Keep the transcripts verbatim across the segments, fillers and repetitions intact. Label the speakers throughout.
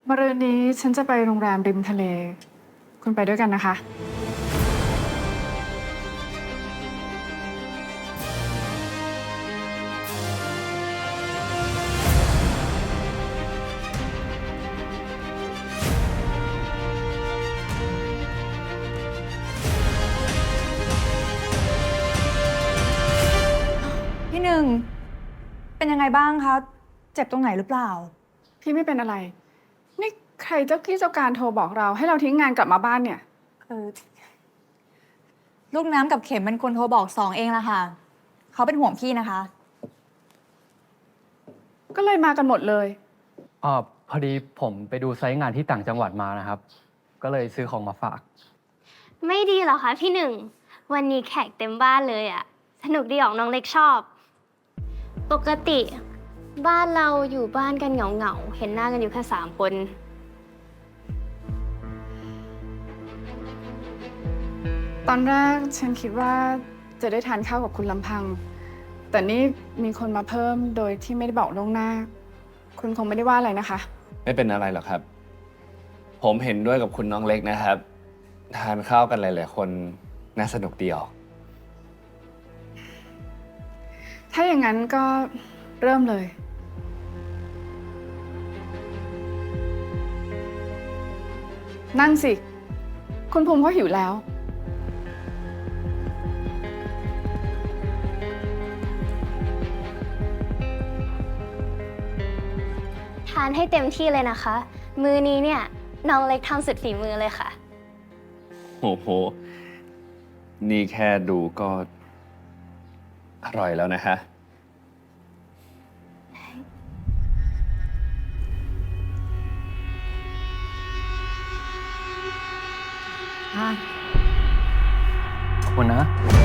Speaker 1: มะรืนนี้ฉันจะไปโรงแรมริมทะเล คุณไปด้วยกันนะคะ
Speaker 2: พี่หนึ่งเป็นยังไงบ้างคะเจ็บตรงไหนหรือเปล่า
Speaker 1: พี่ไม่เป็นอะไร นี่ใครเจ้ากี้เจ้าการโทรบอกเราให้เราทิ้งงานกลับมาบ้านเนี่ย
Speaker 2: เออลูกน้ำกับเข็มเป็นคนโทรบอกสองเองละค่ะเขาเป็นห่วงพี่นะคะ
Speaker 1: ก็เลยมากันหมดเลย
Speaker 3: อ๋อพอดีผมไปดูไซต์งานที่ต่างจังหวัดมานะครับ ก็เลยซื้อของมาฝาก
Speaker 4: ไม่ดีเหรอคะพี่หนึ่ง วันนี้แขกเต็มบ้านเลยอะสนุกดีออกน้องเล็กชอบ ปกติบ้านเราอยู่บ้านกันเหงาๆ เห็นหน้ากันอยู่แค่สามคน
Speaker 1: ตอนแรกฉันคิดว่าจะได้ทานข้าวกับคุณลำพัง แต่นี่มีคนมาเพิ่มโดยที่ไม่ได้บอกล่วงหน้า คุณคงไม่ได้ว่าอะไรนะคะ
Speaker 5: ไม่เป็นอะไรหรอกครับ ผมเห็นด้วยกับคุณน้องเล็กนะครับ ทานข้าวกันหลายๆคนน่าสนุกดีออก
Speaker 1: ถ้าอย่างนั้นก็เริ่มเลย นั่งสิ คุณภูมิเขาหิวแล้ว
Speaker 4: ทานให้เต็มที่เลยนะคะ มือนี้เนี่ยน้องเล็กทำสุดฝีมือเลยค่ะ
Speaker 5: โอ้โห นี่แค่ดูก็อร่อยแล้วนะฮะ
Speaker 3: ขอบคุณนะ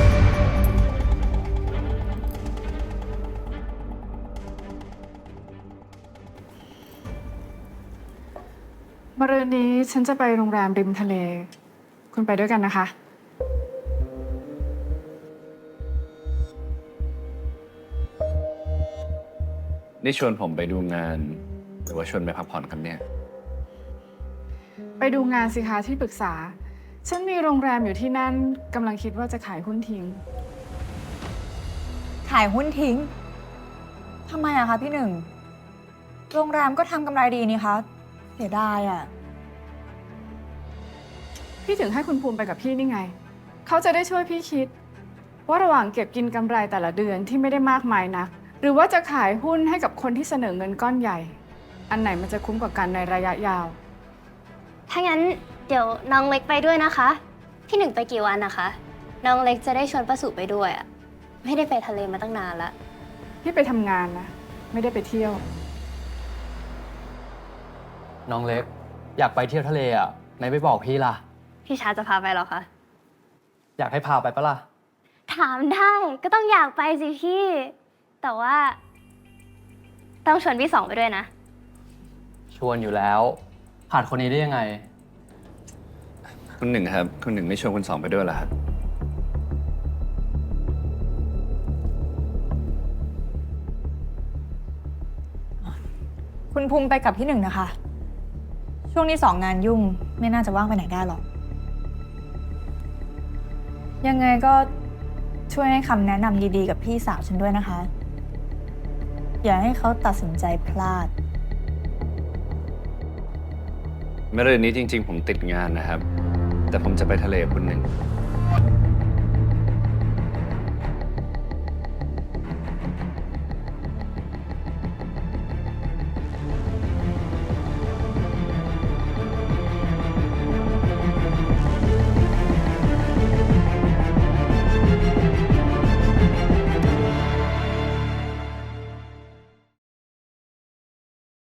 Speaker 1: มะรืนนี้ฉันจะไปโรงแรมริมทะเล คุณไปด้วยกันนะคะ
Speaker 5: นี่ชวนผมไปดูงาน หรือว่าชวนไปพักผ่อนกันเนี่ย
Speaker 1: ไปดูงานสิคะที่ปรึกษา ฉันมีโรงแรมอยู่ที่นั่นกำลังคิดว่าจะขายหุ้นทิ้ง
Speaker 2: ขายหุ้นทิ้งทำไมอะคะพี่หนึ่งโรงแรมก็ทำกำไรดีนี่คะเสียดายอะ
Speaker 1: พี่ถึงให้คุณภูมิไปกับพี่นี่ไง เขาจะได้ช่วยพี่คิด ว่าระหว่างเก็บกินกำไรแต่ละเดือนที่ไม่ได้มากมายนะหรือว่าจะขายหุ้นให้กับคนที่เสนอเงินก้อนใหญ่ อันไหนมันจะคุ้มกว่ากันในระยะยาว
Speaker 4: ถ้างั้นเดี๋ยวน้องเล็กไปด้วยนะคะ พี่หนึ่งไปกี่วันนะคะ น้องเล็กจะได้ชวนป้าสุไปด้วยอะไม่ได้ไปทะเลมาตั้งนานละ
Speaker 1: พี่ไปทำงานนะ ไม่ได้ไปเที่ยว
Speaker 3: น้องเล็ก อยากไปเที่ยวทะเลอ่ะไม่ไปบอกพี่ล่ะ
Speaker 4: พี่ชาจะพาไปเหรอคะ
Speaker 3: อยากให้พาไปปะล่ะ
Speaker 4: ถามได้ก็ต้องอยากไปสิพี่ แต่ว่า ต้องชวนพี่สองไปด้วยนะ
Speaker 3: ชวนอยู่แล้วขาดคนนี้ได้ยังไง
Speaker 5: คุณหนึ่งครับ คุณหนึ่งไม่ชวนคุณสองไปด้วยเหรอครับ
Speaker 2: คุณภูมิไปกับพี่หนึ่งนะคะ ช่วงนี้สองงานยุ่งไม่น่าจะว่างไปไหนได้หรอก ยังไงก็ช่วยให้คำแนะนำดีๆกับพี่สาวฉันด้วยนะคะ อย่าให้เขาตัดสินใจพลาด
Speaker 5: เมื่อเรือนนี้จริง ๆ ผมติดงานนะครับ แต่ผมจะไปทะเลกับคุณหนึ่ง